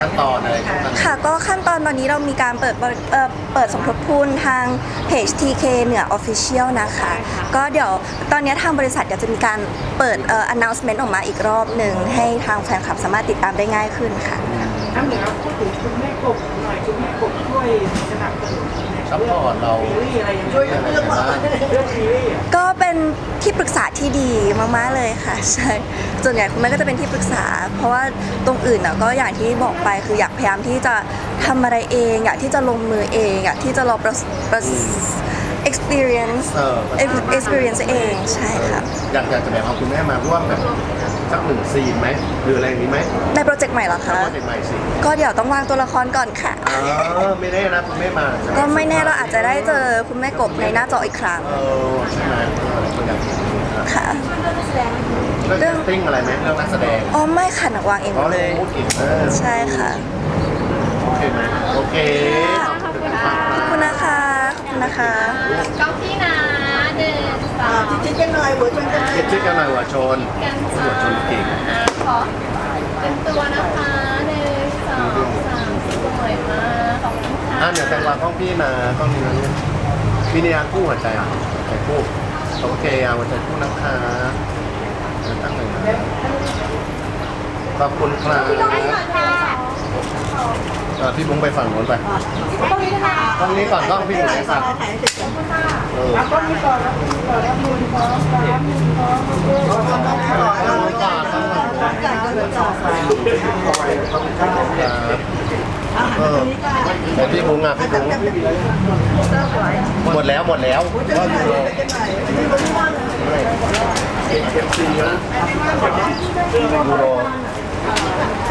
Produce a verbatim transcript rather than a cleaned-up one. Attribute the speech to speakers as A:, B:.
A: ขั้นตอนอะไรพวกนั้น
B: ค่ะก็ขั้นตอนตอนนี้เรามีการเปิดบริเอ่อเปิดสมทบทุนทางเพจ ที เค เหนือ Official นะคะก็เดี๋ยวตอนนี้ทางบริษัทเดี๋ยวจะมีการเปิดเอ่อ announcement ออกมาอีกรอบหนึ่งให้ทางแฟนคลับสามารถติดตามได้ง่ายขึ้นค่ะ
C: น้ำเหนือพูดถึงคุณแม่กบหน่อยคุณแม่กบช่วยสนับสนุน
A: ซัพพอร์ตเรา
C: ซีรีส์อะไรยังไง
A: ช่วยเรื่องบ้าง
C: เรื่องซีรีส์อะ
B: ก็เป็นที่ปรึกษาที่ดีมากๆเลยค่ะใช่ส่วนใหญ่คุณแม่ก็จะเป็นที่ปรึกษา เพราะว่าตรงอื่นน่ะก็อย่างที่บอกไปคืออยากพยายามที่จะทำอะไรเอง อยากที่จะลงมือเอง อยากที่จะลองประสประ experience
A: เออ
B: experience เองใช่ค่ะ
A: อยากอยากจะแบบเอาคุณแม่มาร่วมแบบสักหนึ่งซีนไหมหรืออะไรอย่างนี้ไหม
B: ในโปรเจกต์ใหม่เหรอ
A: ถ้า
B: คะ
A: โปรเจกต์ใหม่สิ
B: ก็เดี๋ยวต้องวางตัวละครก่อนค่ะ
A: อ๋อไม่แน่นะคุณแม่มา
B: ก็ไม่แน่เราอาจจะได้เจอคุณแม่กบในหน้าจออีกครั้ง
A: เออใช่ไหมเออคนอยากเห็นครับ
B: ค่ะ
A: เรื่อง casting อะไรไหมเรื่องนักแสดง
B: อ๋อไม่ค่ะหนักวางเองห
A: อ๋
B: ม
A: อ
B: ดเลย
A: พูดอีกเออ
B: ใช่ค่ะ
A: โอเคไหมโอเค
B: ขอบคุณนะคะ ขอบคุณนะคะ
D: กล้องพี่นะหนึ่งสอง
E: จิ๊กกันหน่อยหัวชนกัน
A: เก็บชื่อกันหน่อยหัวชน
D: กัน
A: หัวชนเก่ง
D: อ่ะขอเป็นตัวนะคะหนึ่งสองสามสวยมากขอบคุณค่ะ
A: อ่ะเดี๋ยวแตงวากล้องพี่นะกล้องนี้นะพี่เนี่ยคู่หัวใจอ่ะหัวใจคู่โอเคเอาหัวใจคู่นะคะเดี๋ยวตั้งเลยนะขอบคุณครับอ่ะพี่บุ้งไปฝั่งโน้นไปกล้องนี้ก่อนกล้องพี่บุ้งไหนครับ
E: ถ่ายเสร็จแล้ว
A: เออ
C: เอาต้นนี้ก่อนแล้วต้นนี้ก่อนแล้วมือพร้อมสามมือพร้อมโอเค
A: กล้องนี้ก่อนกล้องนี้ก่อน
E: จ่ายก็เหลือจ่าย
A: ครับเออเดี๋ยวพี่บุ้งอ่ะพี่บุ้งหมดแล้วหมดแล้วก็ยูโร
E: ที่บ้าน
A: ยูโร